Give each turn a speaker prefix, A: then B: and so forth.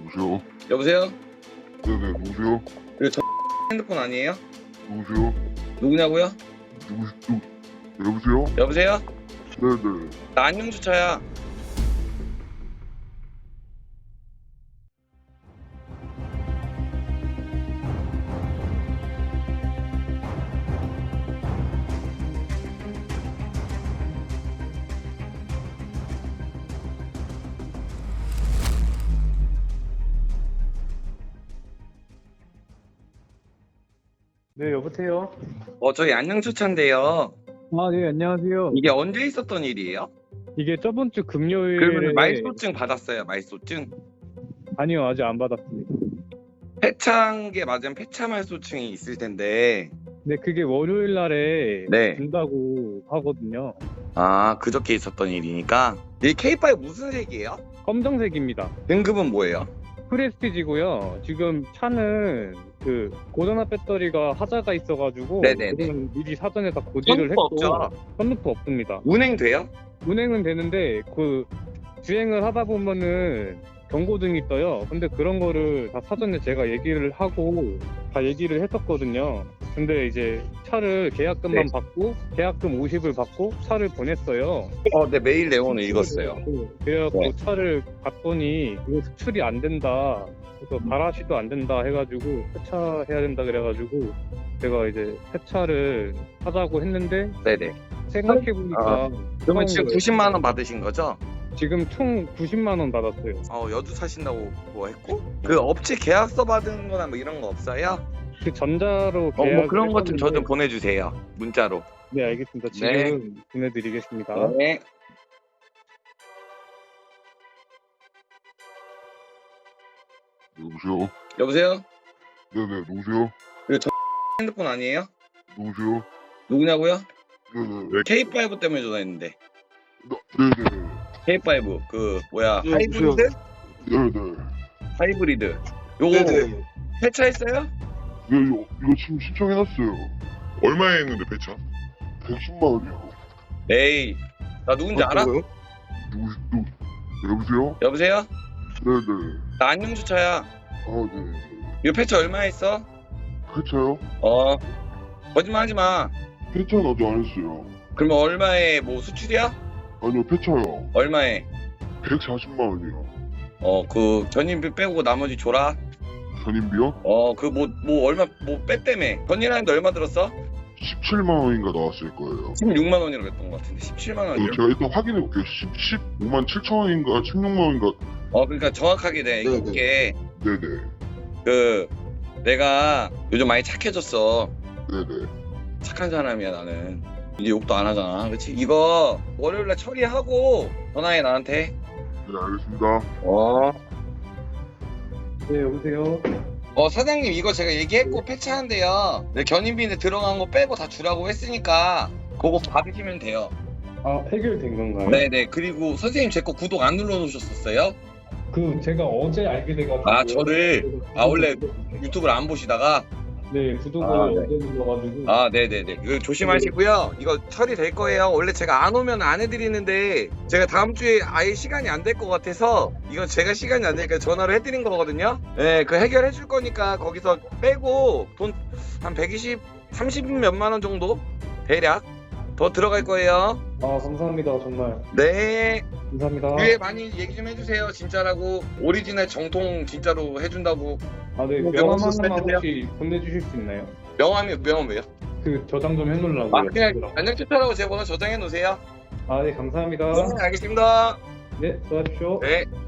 A: 여보세요?
B: 여보세요?
A: 네네, 누구세요?
B: 이거 저 핸드폰 아니에요?
A: 누구세요?
B: 누구냐고요?
A: 여보세요?
B: 여보세요?
A: 네네.
B: 나 안녕주차야.
C: 네, 여보세요?
B: 저희 안녕주차인데요.
C: 아, 네, 안녕하세요.
B: 이게 언제 있었던 일이에요?
C: 이게 저번 주 금요일에
B: 그러면 말소증 받았어요, 말소증?
C: 아니요, 아직 안 받았습니다.
B: 폐차한게 맞으면 폐차 말소증이 있을 텐데.
C: 네, 그게 월요일 날에
B: 네.
C: 준다고 하거든요.
B: 아, 그저께 있었던 일이니까. 이 K5 무슨 색이에요?
C: 검정색입니다.
B: 등급은 뭐예요?
C: 프레스티지고요. 지금 차는 그 고전화 배터리가 하자가 있어가지고
B: 네네네.
C: 그건 미리 사전에 다 고지를
B: 선루프
C: 했고
B: 없죠?
C: 선루프 없습니다.
B: 운행돼요?
C: 운행은 되는데 그 주행을 하다 보면은 경고등이 떠요. 근데 그런 거를 다 사전에 제가 얘기를 하고 다 얘기를 했었거든요. 근데 이제 차를 계약금만
B: 네.
C: 받고 계약금 50을 받고 차를 보냈어요.
B: 네, 메일 내용을 읽었어요.
C: 그래갖고
B: 네.
C: 차를 봤더니 이거 수출이 안 된다. 그래서 바라시도 안 된다 해가지고 폐차해야 된다 그래가지고 제가 이제 폐차를 하자고 했는데
B: 네네.
C: 생각해보니까
B: 그러면 지금
C: 처음으로
B: 90만 원 받으신 거죠?
C: 지금 총 90만 원 받았어요.
B: 여주 사신다고 뭐 했고? 그 업체 계약서 받은 거나 뭐 이런 거 없어요?
C: 그 전자로
B: 뭐
C: 계약을
B: 그런 것 좀 저 좀
C: 했었는데
B: 보내주세요. 문자로.
C: 네, 알겠습니다. 지금 보내드리겠습니다.
B: 네.
A: 여보세요?
B: 여보세요?
A: 네네, 누구세요?
B: 이거 저 핸드폰 아니에요?
A: 누구세요?
B: 누구냐고요?
A: 네네.
B: K5 때문에 전화했는데.
A: 네네.
B: K5 그 뭐야
A: 네,
B: 하이브리드?
A: 네네.
B: 하이브리드. 요거
A: 네네.
B: 폐차했어요?
A: 네, 이거 지금 신청해놨어요.
D: 얼마에 했는데 배차?
A: 110만 원이요.
B: 에이, 나 누군지 알아?
A: 여보세요?
B: 여보세요?
A: 네네.
B: 나 안녕주차야.
A: 아, 네.
B: 이거 폐차 얼마 했어?
A: 폐차요?
B: 거짓말하지 마.
A: 폐차는 아직 안 했어요.
B: 그러면 얼마에 뭐 수출이야?
A: 아니요, 폐차요.
B: 얼마에?
A: 140만 원이요.
B: 그 전인비 빼고 나머지 줘라.
A: 전인비요?
B: 그 얼마 뭐 뺐다며. 전이라는데 얼마 들었어?
A: 17만 원인가 나왔을 거예요.
B: 16만 원이라고 했던 것 같은데 17만 원이요?
A: 제가 일단 확인해 볼게요. 15만 7천 원인가 16만 원인가.
B: 그러니까 정확하게 내가
A: 네네.
B: 이게
A: 네네.
B: 내가 요즘 많이 착해졌어.
A: 네네.
B: 착한 사람이야 나는. 이제 욕도 안 하잖아. 그렇지? 이거 월요일날 처리하고 전화해 나한테.
A: 네, 알겠습니다.
C: 네, 여보세요?
B: 사장님 이거 제가 얘기했고 폐차한대요. 네, 견인비인데 들어간 거 빼고 다 주라고 했으니까 그거 받으시면 돼요.
C: 아, 해결된 건가요?
B: 네네. 그리고 선생님 제 거 구독 안 눌러놓으셨었어요?
C: 그 제가 어제 알게 돼가지고
B: 저를 원래 유튜브를 안 보시다가
C: 네, 구독을
B: 네.
C: 어제 눌러가지고
B: 네네네. 조심하시고요. 이거 처리될 거예요. 원래 제가 안 오면 안 해드리는데 제가 다음 주에 아예 시간이 안 될 것 같아서 이건 제가 시간이 안 되니까 전화를 해드린 거거든요. 네, 그 해결해 줄 거니까 거기서 빼고 돈 한 120, 30 몇만 원 정도 대략 더 들어갈 거예요.
C: 감사합니다. 정말
B: 네.
C: 감사합니다.
B: 뒤에 많이 얘기 좀 해주세요. 진짜라고 오리지널 정통 진짜로 해준다고.
C: 네,
B: 명함
C: 명함 하나만
B: 써주세요.
C: 혹시 보내주실 수 있나요?
B: 명함 왜요?
C: 그 저장 좀 해놓으려고요.
B: 그냥 안녕주차라고 제 번호 저장해 놓으세요.
C: 네, 감사합니다.
B: 네, 알겠습니다.
C: 네, 수고하십시오.
B: 네.